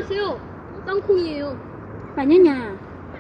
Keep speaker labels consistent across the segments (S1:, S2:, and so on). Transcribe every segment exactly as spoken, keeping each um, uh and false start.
S1: 안녕하세요. 땅콩이에요.
S2: 마냐냐.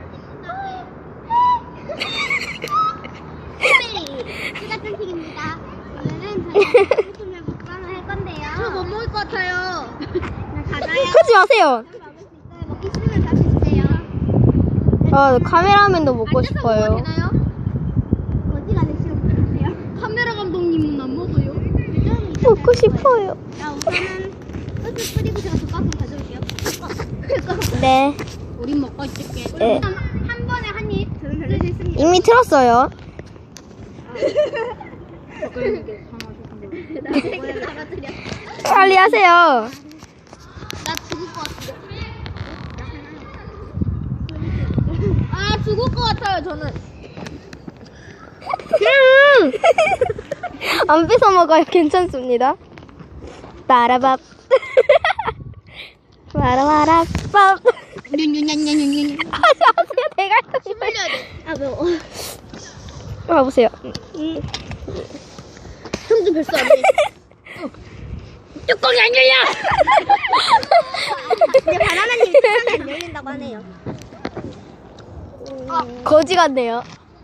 S3: 수가 땡식입니다. 오늘은 저희가 소금을 먹방을 할 건데요.
S1: 저 못 먹을 것 같아요.
S3: 가자요.
S2: 하지 마세요.
S3: 먹을 수 있어요. 먹기 싫으면 다시 주세요.
S2: 아, 카메라맨도 먹고 싶어요.
S1: 되나요?
S3: 어디가 내 싫으면 주세요.
S1: 카메라 감독님은 안 먹어요.
S2: 먹고 싶어요.
S3: 자, 우선은 소스 뿌리고 제가 젓가락 가져올게요.
S2: 네.
S1: 우린 먹고 있을게.
S2: 네.
S3: 일단 한 번에 한 입 들을 수 있습니다.
S2: 이미 틀었어요.
S3: 나중에 잡아드려.
S2: 빨리 하세요.
S1: 나 죽을 것 같아. 아 죽을 것 같아요 저는.
S2: 음! 안 뺏어 먹어요. 괜찮습니다. 빠라밥. 빠라바라밥.
S1: 윤윤윤윤윤.
S2: 하지 마세요. 대갈통이.
S1: 흘려야 돼.
S3: 아 매워.
S2: 봐보세요.
S1: 형도 별수 안 돼. 뚜껑이 안 열려.
S3: 근데 바나나님 뚜껑이 안 열린다고 하네요.
S2: 거지 같네요.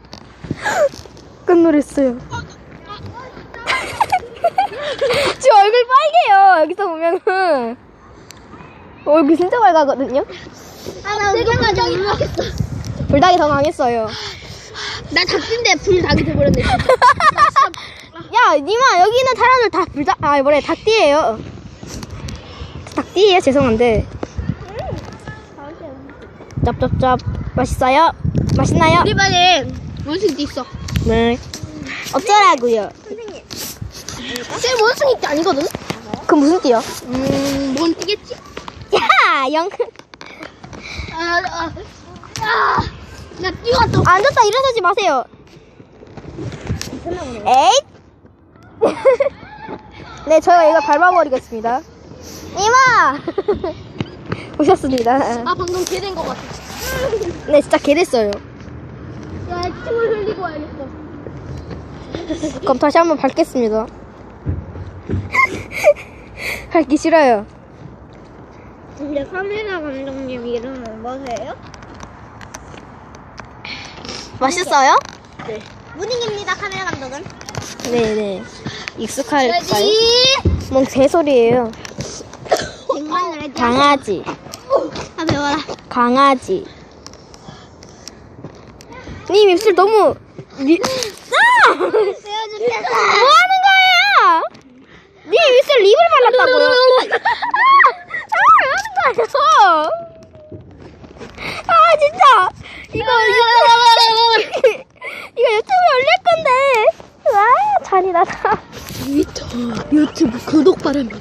S2: 끝놀했어요. 지금 얼굴 빨개요. 여기서 보면은 얼굴 진짜 빨가거든요.
S3: 아나
S1: 세금까지 안 올라가겠어.
S2: 불닭이 더 망했어요.
S1: 나 닭인데 불닭이 돼버렸네.
S2: 야, 니마 여기는 사람들 다 불닭 아 뭐래 닭띠예요. 닭띠예요. 죄송한데. 짭짭짭 맛있어요? 맛있나요?
S1: 우리 반에 원숭이도 있어.
S2: 네. 어쩌라고요?
S3: 선생님.
S1: 쟤 원숭이 띠 아니거든?
S2: 그 무슨 띠요?
S1: 음, 뭔 띠겠지?
S2: 야, 영.
S1: 아, 아, 아, 나 뛰어왔어.
S2: 앉았다 일어서지 마세요. 에잇. 네, 저희가 이거 밟아버리겠습니다. 이마. 오셨습니다.
S1: 아, 방금 개 된 것 같아.
S2: 네, 진짜 개 됐어요.
S1: 야, 침을 흘리고 와야겠어.
S2: 그럼 다시 한번 밟겠습니다. 밟기 싫어요.
S3: 근데 카메라 감독님 이름은 뭐세요?
S2: 맛있어요?
S3: 무닝입니다. 카메라 감독은.
S2: 네네. 익숙할까요?
S1: 레디.
S2: 뭔 개소리예요.
S3: 백만을 해줘.
S2: 강아지.
S3: 아 매워라.
S2: 강아지. 님 입술 너무 리... 아! 뭐
S3: 세워주세요.
S2: 하는 거예요? 님 입술 립을 발랐다고요? 아! 아! 왜 하는 거예요? 아 진짜 이거 이거 이거 유튜브에 올릴 건데. 와 잔인하다.
S1: 유튜브, 유튜브 구독 바랍니다.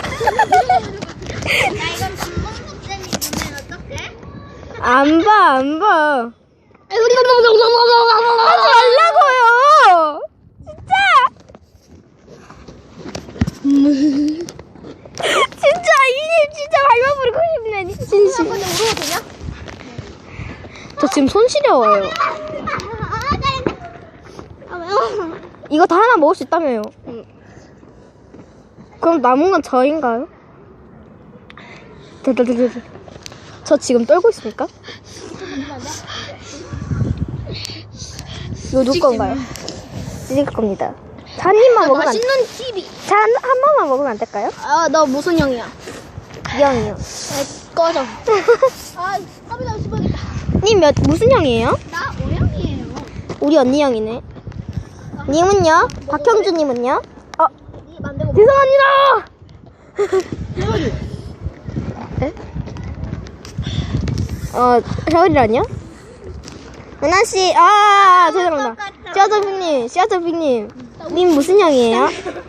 S3: 야 이건 김범석 쌤이 보면 어떡해?
S2: 안 봐, 안 봐.
S1: 우리 감독님
S2: 하지 말라고요. 진짜. 진짜 이님 진짜 밟아버리고 싶네. 진심.
S3: 한번 울어도 되냐?
S2: 저 지금 손 시려워요.
S3: 아 매워.
S2: 이거 다 하나 먹을 수 있다며요. 그럼 남은 건 저인가요? 드드드드. 저 지금 떨고 있습니까? 이거 누구 건가요? 찌질 겁니다. 자, 한 입만 먹으면 안,
S1: 맛있는 티비.
S2: 자, 한, 한 번만 먹으면 안 될까요?
S1: 아, 너 무슨 형이야?
S2: 이형이요.
S1: 꺼져. 아, 카메라 씹어야겠다.
S2: 님 몇, 무슨 형이에요?
S3: 나 오영이에요.
S2: 우리 언니 형이네. 님은요? 박형주님은요? 어,
S3: 이 만들고
S2: 죄송합니다! 에? 어, 샤오리라뇨? 은하씨, 아, 죄송합니다. 씨앗더빅님, 씨앗더빅님. 님 무슨 형이에요?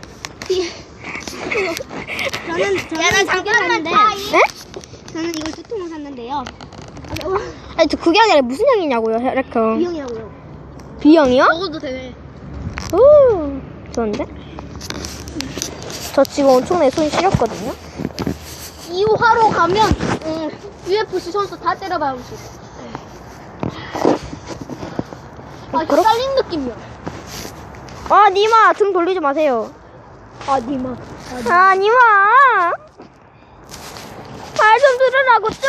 S3: 저는 저는
S1: 나
S3: 잠깐만
S1: 샀는데.
S2: 네?
S3: 저는 이걸 두 통을 샀는데요. 아 매워.
S2: 아니, 저 그게 아니라 무슨 형이냐고요, 혈액형.
S3: B형이라고요.
S2: B형이요?
S1: 먹어도 되네.
S2: 오, 좋은데? 저 지금 엄청나게 손이 시렸거든요?
S1: 이 화로 가면 음, 유에프씨 선수 다 때려박을 수 있어. 아,
S2: 그렇-
S1: 헷갈린 느낌이야.
S2: 아, 니마, 등 돌리지 마세요.
S1: 아, 니마.
S2: 아, 니마. 말 좀 들으라. 먹으라고 좀.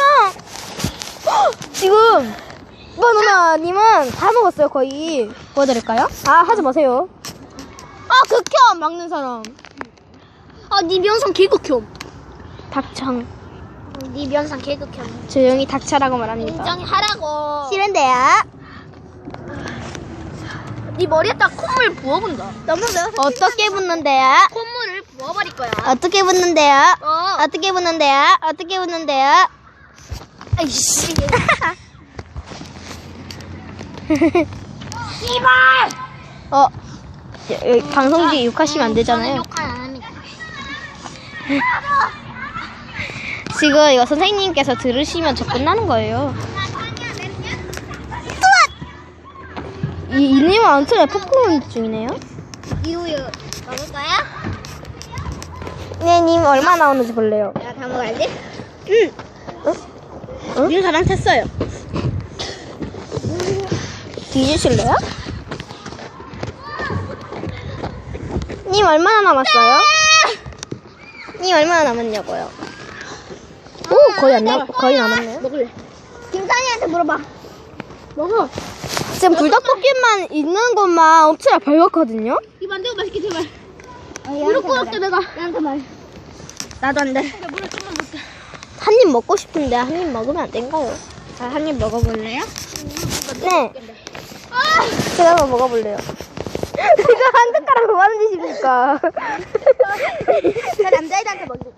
S2: 지금 바나나님은 다 먹었어요 거의. 보여드릴까요? 아 하지 마세요. 아 극혐 막는 사람.
S1: 아니 면상 개극혐.
S2: 닥창.
S1: 네 면상 개극혐.
S2: 조용히 닥쳐라고 말합니다.
S1: 인정히 하라고.
S2: 싫은데요?
S1: 네 머리에다 콧물 부어본다.
S2: 너무 매워. 어떻게 붙는데요?
S1: 콧물을 부어버릴 거야.
S2: 어떻게 붙는데요?
S1: 어.
S2: 어떻게 붙는데요? 어떻게 붙는데요?
S1: 아이씨.
S2: 어, 여기 방송지 욕하시면 안 되잖아요.
S1: 욕할 안 합니다.
S2: 지금 이거 선생님께서 들으시면 저 끝나는 거예요. 이 이님은 안틀에 포크몬 중이네요.
S1: 이우유 먹을 거야?
S2: 네, 님 얼마 나오는지 볼래요.
S1: 내가 다 먹어야지.
S2: 응. 응?
S1: 님 저랑 탔어요.
S2: 뒤주실래요? 님 얼마나 남았어요? 님 얼마나 남았냐고요? 오, 거의 안 남, 거의 남았네요.
S1: 먹을래. 김산이한테 물어봐. 먹어.
S2: 지금 불닭볶음만 있는 것만 엄청 별거거든요.
S1: 이 만들고 맛있게 제발. 무릎 꿇었대 내가. 나한테 말.
S2: 나도 안 돼.
S1: 물을 좀만 먹게.
S2: 한 입 먹고 싶은데 한 입 먹으면 안 된가요?
S1: 아, 한 입 먹어볼래요?
S2: 네. 제가 한번 먹어볼래요. 지금 한 젓가락 뭐 하는 짓입니까?
S1: 나 남자애들한테 먹이고.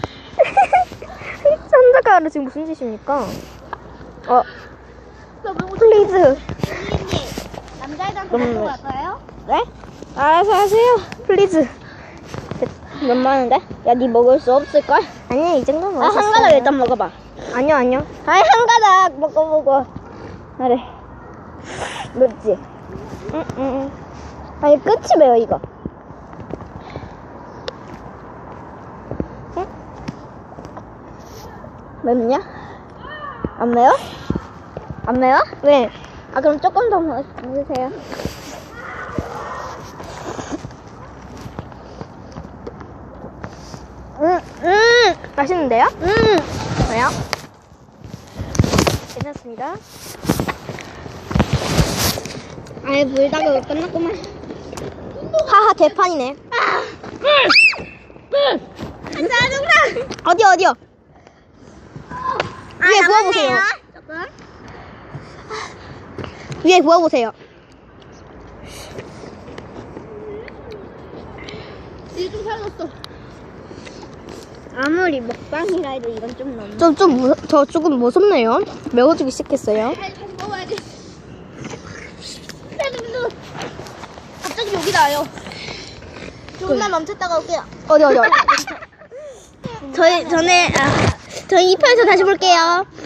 S2: 한 젓가락으로 지금 무슨 짓입니까? 어, 플리즈.
S1: 남자애들한테
S2: 음.
S1: 먹고 갈까요?
S2: 네? 알아서 하세요. 플리즈. 몇 만원데? 야, 니 먹을 수 없을걸? 아니야, 이 정도는
S1: 아, 한 가닥 일단 먹어봐.
S2: 아니요, 아니요. 아니, 한 가닥 먹어보고. 그래. 맵지? 응, 응, 응. 아니, 끝이 매워, 이거. 응? 맵냐? 안 매워? 안 매워? 네. 아, 그럼 조금 더 먹- 먹으세요. 음, 음, 맛있는데요? 음, 왜요? 괜찮습니다.
S1: 아예 불닭을 끝났구만.
S2: 하하, 개판이네.
S1: 짜증나.
S2: 어디, 어디요? 위에 부어보세요.
S1: 조금.
S2: 위에 부어보세요.
S1: 이게 좀 살았어. 아무리 먹방이라 해도 이건 좀 너무.
S2: 좀, 좀, 무, 저 조금 무섭네요. 매워지기 시작했어요.
S1: 다시 먹어야지. 갑자기 여기 나요. 조금만 멈췄다가 올게요.
S2: 어디, 어디, 어디. 저희, 전에, 아, 저희 이 편에서 다시 볼게요.